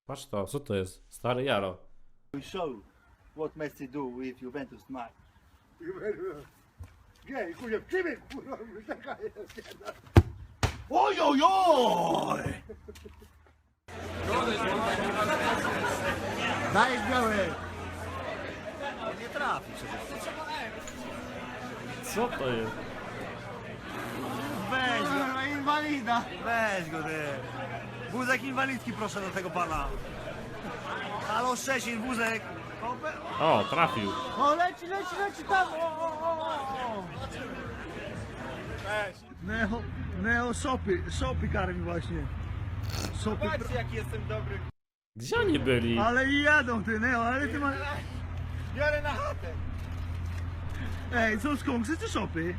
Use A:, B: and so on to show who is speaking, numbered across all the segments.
A: Patrz to, co to jest? Stary Jaro.
B: We show what Messi do with Juventus tonight.
C: Nie, kurwa, w ciebie, kurwa, taka jest.
B: Oj, oj, oj!
C: Daj biały!
B: Nie trafi przecież.
A: Co to jest?
B: Weź go,
C: Kurwa, inwalida!
B: weź go ty. Wózek inwalidzki proszę do tego pana. Halo Szczecin, wózek.
A: O, trafił.
C: O, leci tam! O! Neo szopy karmi właśnie. Szopy,
B: Patrzcie jaki jestem dobry.
A: Gdzie oni byli?
C: ale i jadą ty, Neo, ale ty masz...
B: Biorę na chatę.
C: Ej, są skąksy czy szopy?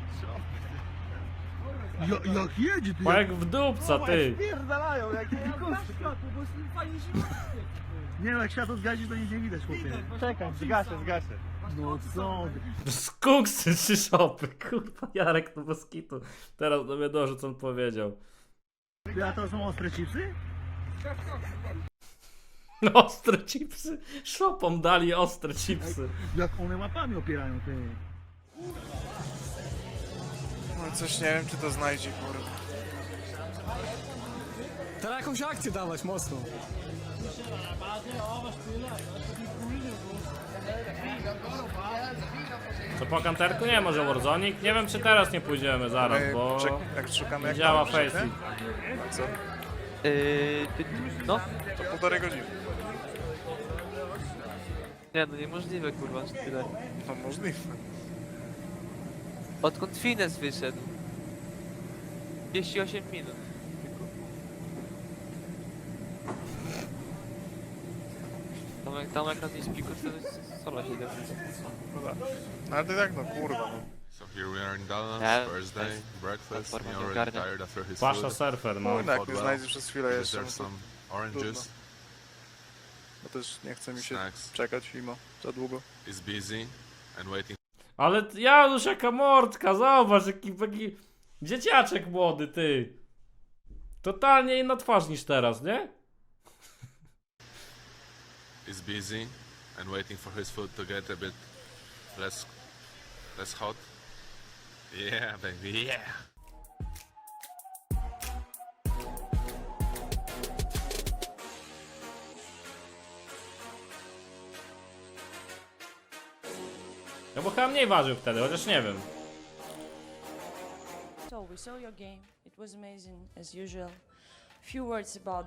C: Jak jedzie ty?
A: Bo jak w dupca, ty.
B: Pierdalają jak
C: Nie no, jak światło zgazisz, to nic nie widać, chłopie.
B: Czekaj, zgaszę.
C: No co ty?
A: Skunksy czy szopy? Kurwa, Jarek to bez kitu. Teraz do mnie dożył, co on powiedział.
C: Ty, a to są ostre chipsy?
A: Ostre chipsy. Szopom dali ostre chipsy.
C: Jak one łapami opierają, ty.
D: No coś nie wiem, czy to znajdzie, kurwa.
E: Teraz jakąś akcję dawać mocno.
A: Co po kanterku? Nie, może Warzonik? Nie wiem, czy teraz nie pójdziemy zaraz, bo
D: Jak szukamy,
A: nie
D: jak
A: działa
D: tam
A: Faceit.
D: nie? Co?
F: No?
D: To 1,5 godziny.
F: Nie no niemożliwe kurwa, że tyle.
D: No możliwe.
F: Odkąd Fines wyszedł? 38 minut. Tam jak na tej spiku to jest sola 7.
D: No tak. No ale to jak no, kurwa, no.
G: So here we are in Dallas,
F: Yeah,
G: Thursday,
F: nice.
G: breakfast,
F: Platforma
G: me
F: nie
G: already
F: ogarnia.
G: tired after his
A: Pasza
G: food.
A: surfer, no.
D: No jak nie znajdzie przez chwilę
G: Is
D: jeszcze,
G: there
D: no to,
G: some oranges?
D: bo też nie chce mi się
G: Snacks.
D: czekać mimo za długo.
G: Is busy and waiting
A: Ale Janusz, jaka mordka, zobacz, jaki dzieciaczek młody, ty. Totalnie inna twarz niż teraz, nie?
G: is busy and waiting for his food to get a bit less hot. Yeah, baby, yeah.
A: No bo chyba mniej ważył wtedy, chociaż nie wiem.
H: So we saw your game. It was amazing as usual. Few words about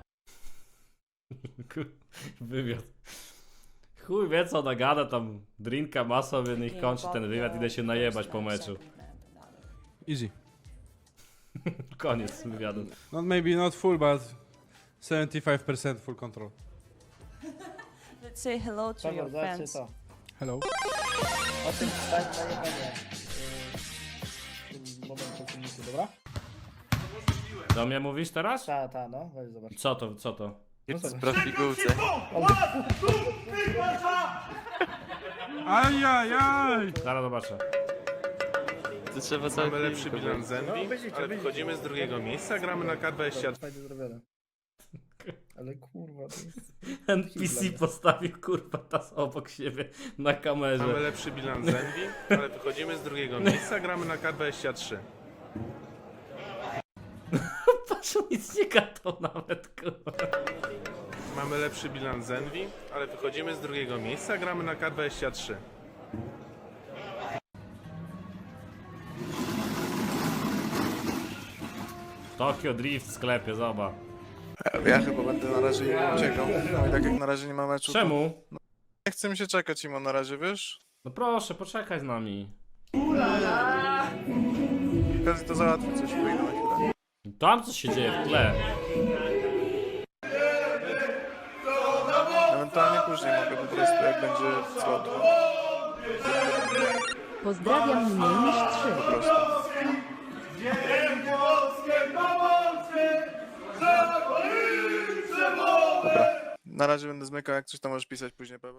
A: Wywiad. Chuj wie co nagada tam, drinka ma sobie, niech
H: game,
A: kończy ten
H: about
A: wywiad,
H: the
A: idę się najebać
H: first
A: po
H: and
A: meczu.
H: second and other.
E: Easy.
A: Koniec wywiadu.
I: Not maybe not full, but 75% full control.
H: Let's say hello to your fans.
I: Hello.
C: O tym wstać na jedzenie. W tym momencie filmiku, dobra?
A: Do mnie mówisz teraz?
C: Ta, no, weź zobacz.
A: Co to?
F: Sprawdź w pigułce.
I: Ajajaj!
A: Zaraz zobaczę.
F: To trzeba cały
G: Mamy lepszy
F: film
G: bilans
F: zrobić.
G: Zenvi, ale wychodzimy z drugiego miejsca, gramy na K20.
C: Fajnie zrobione. Ale kurwa, to jest...
A: NPC postawił kurwa tas obok siebie na
G: Mamy
A: kamerze.
G: lepszy bilans Zenvi, ale wychodzimy z drugiego miejsca, gramy na K23.
A: Patrz, on nic nie gadał nawet, kurwa.
G: Mamy lepszy bilans Zenvi, ale wychodzimy z drugiego miejsca, gramy na K23.
A: Tokyo Drift w sklepie, zobacz.
D: Ja chyba będę na razie nie uciekał. No i tak jak na razie nie ma meczu, to
A: Czemu?
D: nie chce mi się czekać im na razie, wiesz?
A: No proszę, poczekaj z nami.
D: Okazji to załatwię coś, wyjdę na chwilę.
A: Tam coś się dzieje w tle.
D: Ewentualnie później mogę po prostu, jak będzie slot.
J: Pozdrawiam mniej niż 3.
D: Po prostu. Dobra. Na razie będę zmykał, jak coś tam możesz pisać później, Paweł.